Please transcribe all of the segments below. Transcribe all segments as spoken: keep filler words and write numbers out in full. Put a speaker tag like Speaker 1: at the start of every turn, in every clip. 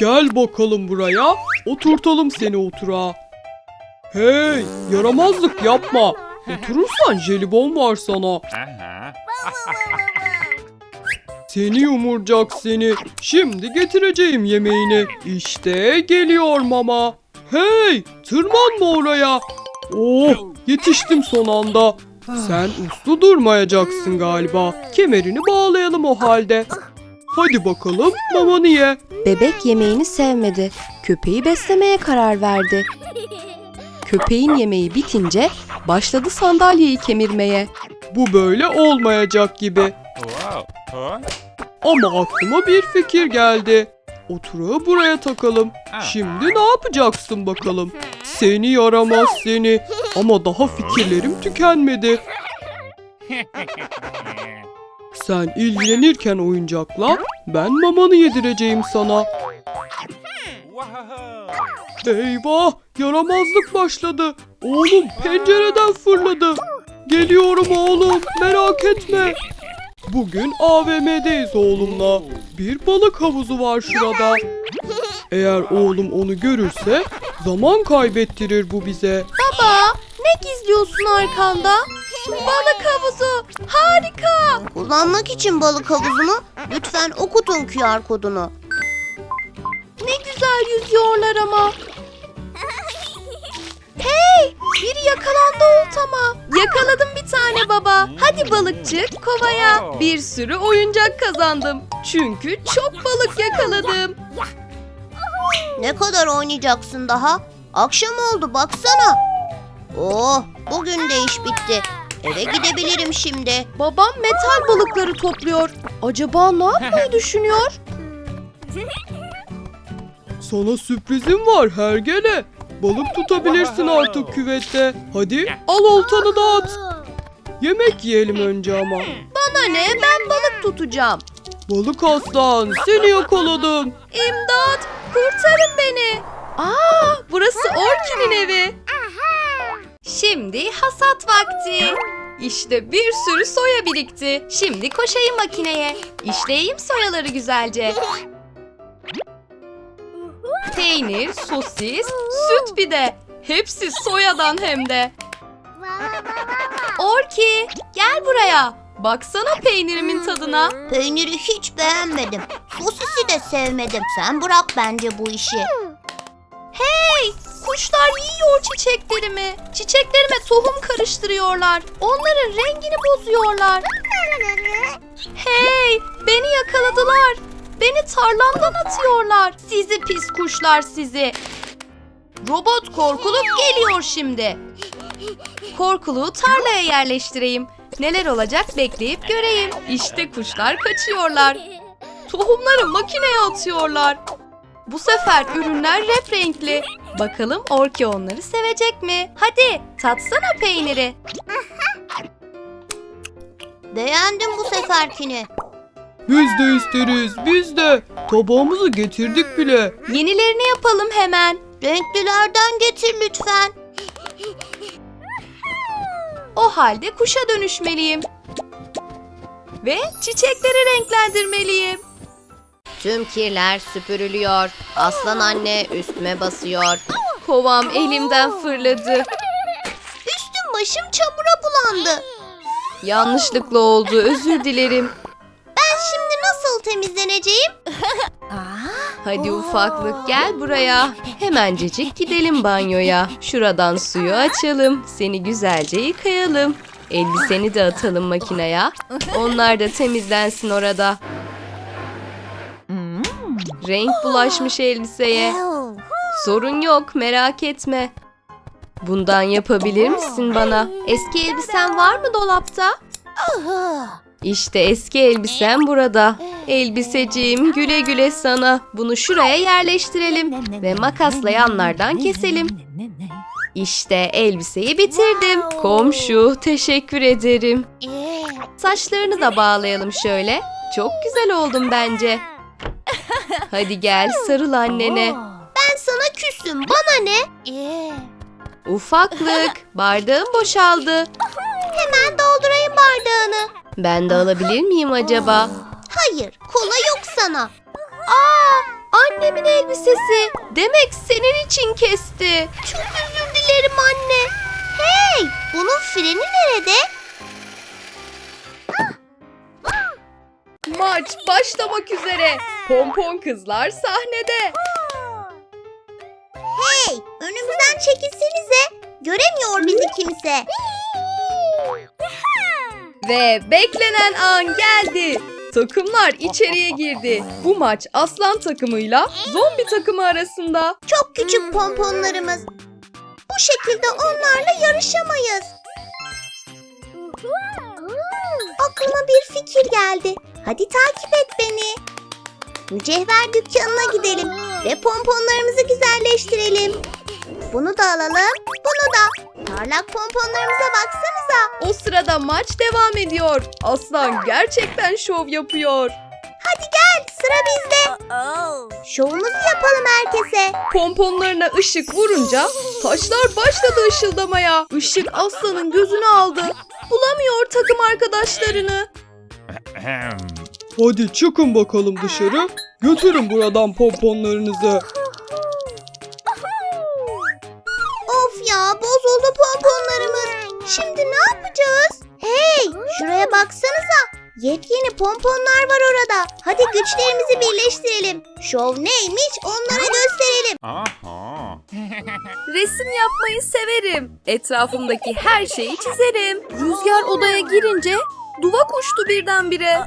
Speaker 1: Gel bakalım buraya. Oturtalım seni oturağa. Hey, yaramazlık yapma. Oturursan jelibon var sana. Seni yumurcak seni. Şimdi getireceğim yemeğini. İşte geliyor mama. Hey, tırmanma oraya. Oh, yetiştim son anda. Sen uslu durmayacaksın galiba. Kemerini bağlayalım o halde. Hadi bakalım mamanı ye.
Speaker 2: Bebek yemeğini sevmedi. Köpeği beslemeye karar verdi. Köpeğin yemeği bitince başladı sandalyeyi kemirmeye.
Speaker 1: Bu böyle olmayacak gibi. Ama aklıma bir fikir geldi. Oturağı buraya takalım. Şimdi ne yapacaksın bakalım? Seni yaramaz seni. Ama daha fikirlerim tükenmedi. Sen ilgilenirken oyuncakla, ben mamanı yedireceğim sana. Eyvah! Yaramazlık başladı. Oğlum pencereden fırladı. Geliyorum oğlum, merak etme. Bugün A V M'deyiz oğlumla. Bir balık havuzu var şurada. Eğer oğlum onu görürse zaman kaybettirir bu bize.
Speaker 2: Baba, ne gizliyorsun arkanda? Balık havuzu, harika.
Speaker 3: Kullanmak için balık havuzunu lütfen okutun Q R kodunu.
Speaker 2: Ne güzel yüzüyorlar ama. Hey, biri yakalandı oltama. Yakaladım bir tane baba. Hadi balıkçı, kovaya. Bir sürü oyuncak kazandım. Çünkü çok balık yakaladım.
Speaker 3: Ne kadar oynayacaksın daha? Akşam oldu baksana. Oh, bugün de iş bitti. Eve gidebilirim şimdi.
Speaker 2: Babam metal balıkları topluyor. Acaba ne yapmayı düşünüyor?
Speaker 1: Sana sürprizim var hergele. Balık tutabilirsin artık küvette. Hadi al oltanı da at. Yemek yiyelim önce ama.
Speaker 2: Bana ne? Ben balık tutacağım.
Speaker 1: Balık aslan, seni yakaladım.
Speaker 2: İmdat! Kurtarın beni. Aa, burası Orki'nin evi. Şimdi hasat vakti. İşte bir sürü soya birikti. Şimdi koşayım makineye. İşleyeyim soyaları güzelce. Peynir, sosis, süt bir de. Hepsi soyadan hem de. Orki, gel buraya. Baksana peynirimin tadına.
Speaker 3: Peyniri hiç beğenmedim. Sosisi de sevmedim. Sen bırak bence bu işi.
Speaker 2: Hey, kuşlar yiyor çiçeklerimi. Çiçeklerime tohum karıştırıyorlar. Onların rengini bozuyorlar. Hey, beni yakaladılar. Beni tarlamdan atıyorlar. Sizi pis kuşlar sizi. Robot korkuluk geliyor şimdi. Korkuluğu tarlaya yerleştireyim. Neler olacak bekleyip göreyim. İşte kuşlar kaçıyorlar. Tohumları makineye atıyorlar. Bu sefer ürünler rep renkli. Bakalım Orki onları sevecek mi? Hadi tatsana peyniri.
Speaker 3: Beğendim bu seferkini.
Speaker 1: Biz de isteriz, biz de. Tabağımızı getirdik bile.
Speaker 2: Yenilerini yapalım hemen.
Speaker 3: Renklilerden getir lütfen.
Speaker 2: O halde kuşa dönüşmeliyim. Ve çiçekleri renklendirmeliyim.
Speaker 3: Tüm kirler süpürülüyor. Aslan anne üstüme basıyor.
Speaker 2: Kovam elimden fırladı.
Speaker 3: Üstüm başım çamura bulandı.
Speaker 2: Yanlışlıkla oldu, özür dilerim.
Speaker 3: Ben şimdi nasıl temizleneceğim?
Speaker 2: Hadi ufaklık gel buraya. Hemencecik gidelim banyoya. Şuradan suyu açalım. Seni güzelce yıkayalım. Elbiseni de atalım makineye. Onlar da temizlensin orada. Renk bulaşmış elbiseye. Sorun yok, merak etme. Bundan yapabilir misin bana? Eski elbisen var mı dolapta? İşte eski elbisem burada. Elbiseciğim güle güle sana. Bunu şuraya yerleştirelim ve makasla yanlardan keselim. İşte elbiseyi bitirdim. Komşu, teşekkür ederim. Saçlarını da bağlayalım şöyle. Çok güzel oldum bence. Hadi gel sarıl annene.
Speaker 3: Ben sana küsüm. Bana ne?
Speaker 2: Ufaklık, bardağım boşaldı.
Speaker 3: Hemen doldurayım bardağını.
Speaker 2: Ben de alabilir miyim acaba?
Speaker 3: Hayır, kola yok sana.
Speaker 2: Aa, Annemin elbisesi. Demek senin için kesti.
Speaker 3: Çok özür dilerim anne. Hey, bunun freni nerede?
Speaker 2: Maç başlamak üzere. Pompon kızlar sahnede.
Speaker 3: Hey, önümüzden çekilsenize. Göremiyor bizi kimse.
Speaker 2: Ve beklenen an geldi. Takımlar içeriye girdi. Bu maç aslan takımıyla zombi takımı arasında.
Speaker 3: Çok küçük pomponlarımız. Bu şekilde onlarla yarışamayız. Aklıma bir fikir geldi. Hadi takip et beni. Mücevher dükkanına gidelim ve pomponlarımızı güzelleştirelim. Bunu da alalım, bunu da. Parlak pomponlarımıza baksanıza.
Speaker 2: O sırada maç devam ediyor. Aslan gerçekten şov yapıyor.
Speaker 3: Hadi gel, sıra bizde. Şovumuzu yapalım herkese.
Speaker 2: Pomponlarına ışık vurunca taşlar başladı ışıldamaya. Işık aslanın gözünü aldı. Bulamıyor takım arkadaşlarını.
Speaker 1: Hadi çıkın bakalım dışarı. Götürün buradan pomponlarınızı.
Speaker 3: Of ya, bozuldu pomponlarımız. Şimdi ne yapacağız? Hey, şuraya baksanıza. Yepyeni pomponlar var orada. Hadi güçlerimizi birleştirelim. Şov neymiş onlara gösterelim.
Speaker 4: Aha.
Speaker 2: Resim yapmayı severim. Etrafımdaki her şeyi çizerim. Rüzgar odaya girince duva uçtu birdenbire.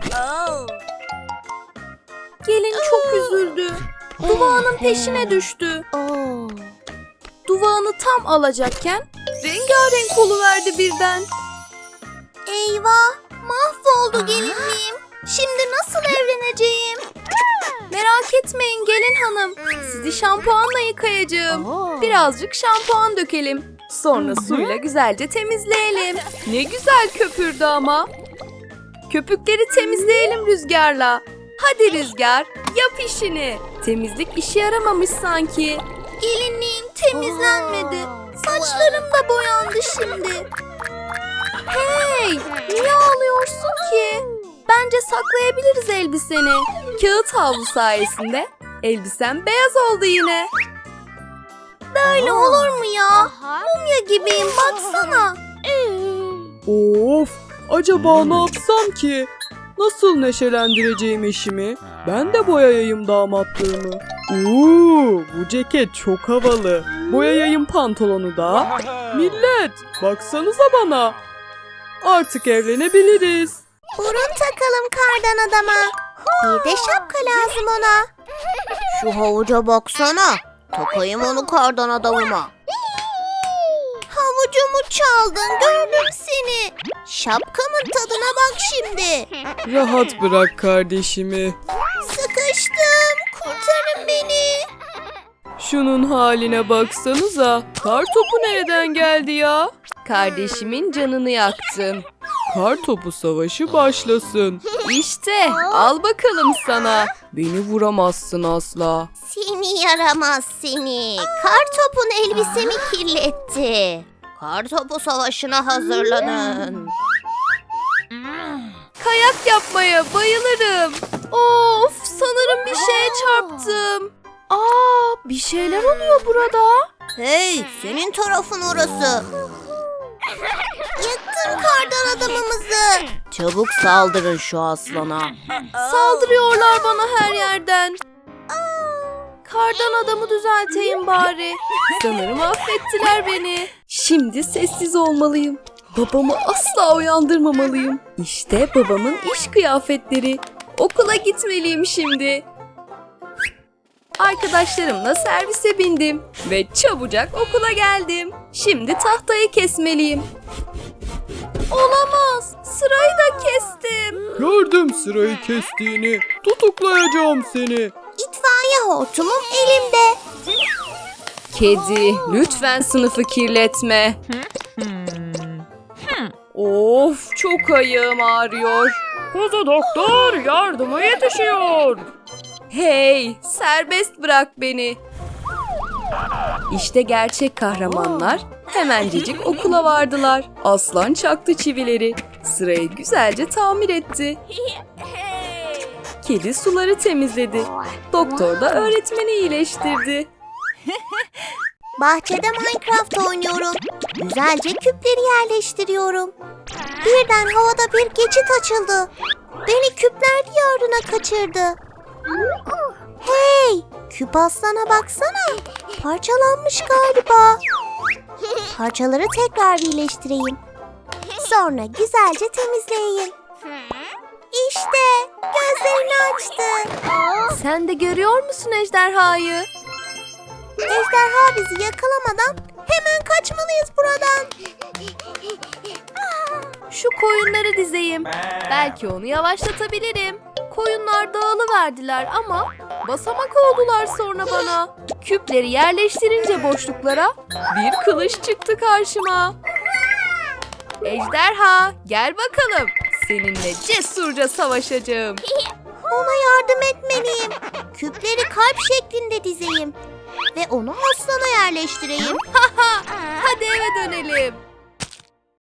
Speaker 2: Gelin çok üzüldü. Duvağının peşine düştü. Duvağını tam alacakken rengarenk oluverdi birden.
Speaker 3: Eyvah, mahvoldu gelinliğim. Şimdi nasıl evleneceğim?
Speaker 2: Merak etmeyin gelin hanım. Sizi şampuanla yıkayacağım. Birazcık şampuan dökelim. Sonra suyla güzelce temizleyelim. Ne güzel köpürdü ama. Köpükleri temizleyelim Rüzgar'la. Hadi Rüzgar, yap işini. Temizlik işe yaramamış sanki.
Speaker 3: Gelinliğim temizlenmedi. Saçlarım da boyandı şimdi.
Speaker 2: Hey, niye ağlıyorsun ki? Bence saklayabiliriz elbiseni. Kağıt havlu sayesinde elbisen beyaz oldu yine.
Speaker 3: Böyle olur mu ya? Mumya gibiyim baksana.
Speaker 1: Of! Acaba ne yapsam ki? Nasıl neşelendireceğim eşimi? Ben de boyayayım damatlığımı. Uuu, bu ceket çok havalı. Boyayayım pantolonu da. Millet, baksanıza bana. Artık evlenebiliriz.
Speaker 3: Burun takalım kardan adama. Bir de şapka lazım ona. Şu havuca baksana. Takayım onu kardan adamıma. Havucumu çaldın, gördüm seni. Şapkamın tadına bak şimdi.
Speaker 1: Rahat bırak kardeşimi.
Speaker 3: Sıkıştım, kurtarın beni.
Speaker 1: Şunun haline baksanıza. Kartopu nereden geldi ya?
Speaker 2: Kardeşimin canını yaktın.
Speaker 1: Kartopu savaşı başlasın.
Speaker 2: İşte al bakalım sana.
Speaker 1: Beni vuramazsın asla.
Speaker 3: Seni yaramaz seni. Kartopun elbisemi kirletti. Kartopu savaşına hazırlanın.
Speaker 2: Kayak yapmaya bayılırım. Of, sanırım bir şeye çarptım. Aa, bir şeyler oluyor burada.
Speaker 3: Hey, senin tarafın orası. Yıktın kardan adamımızı. Çabuk saldırın şu aslana.
Speaker 2: Saldırıyorlar bana her yerden. Kardan adamı düzelteyim bari. Sanırım affettiler beni. Şimdi sessiz olmalıyım. Babamı asla uyandırmamalıyım. İşte babamın iş kıyafetleri. Okula gitmeliyim şimdi. Arkadaşlarımla servise bindim ve çabucak okula geldim. Şimdi tahtayı kesmeliyim. Olamaz, sırayı da kestim.
Speaker 1: Gördüm sırayı kestiğini. Tutuklayacağım seni.
Speaker 3: İtfaiye hortumum elimde.
Speaker 2: Kedi, lütfen sınıfı kirletme. Of, çok ayağım ağrıyor. Kuzu doktor yardıma yetişiyor. Hey, serbest bırak beni. İşte gerçek kahramanlar hemencecik okula vardılar. Aslan çaktı çivileri. Sırayı güzelce tamir etti. Kedi suları temizledi. Doktor da öğretmeni iyileştirdi.
Speaker 3: Bahçede Minecraft oynuyorum. Güzelce küpleri yerleştiriyorum. Birden havada bir geçit açıldı. Beni küpler diyarına kaçırdı. Hey! Küp aslana baksana. Parçalanmış galiba. Parçaları tekrar birleştireyim. Sonra güzelce temizleyeyim. İşte gözlerini açtı.
Speaker 2: Sen de görüyor musun ejderhayı?
Speaker 3: Ejderha bizi yakalamadan hemen kaçmalıyız buradan.
Speaker 2: Şu koyunları dizeyim. Belki onu yavaşlatabilirim. Koyunlar dağılıverdiler ama basamak oldular sonra bana. Küpleri yerleştirince boşluklara bir kılıç çıktı karşıma. Ejderha, gel bakalım. Seninle cesurca savaşacağım.
Speaker 3: Ona yardım etmeliyim. Küpleri kalp şeklinde dizeyim. Ve onu aslana yerleştireyim.
Speaker 2: Hadi eve dönelim.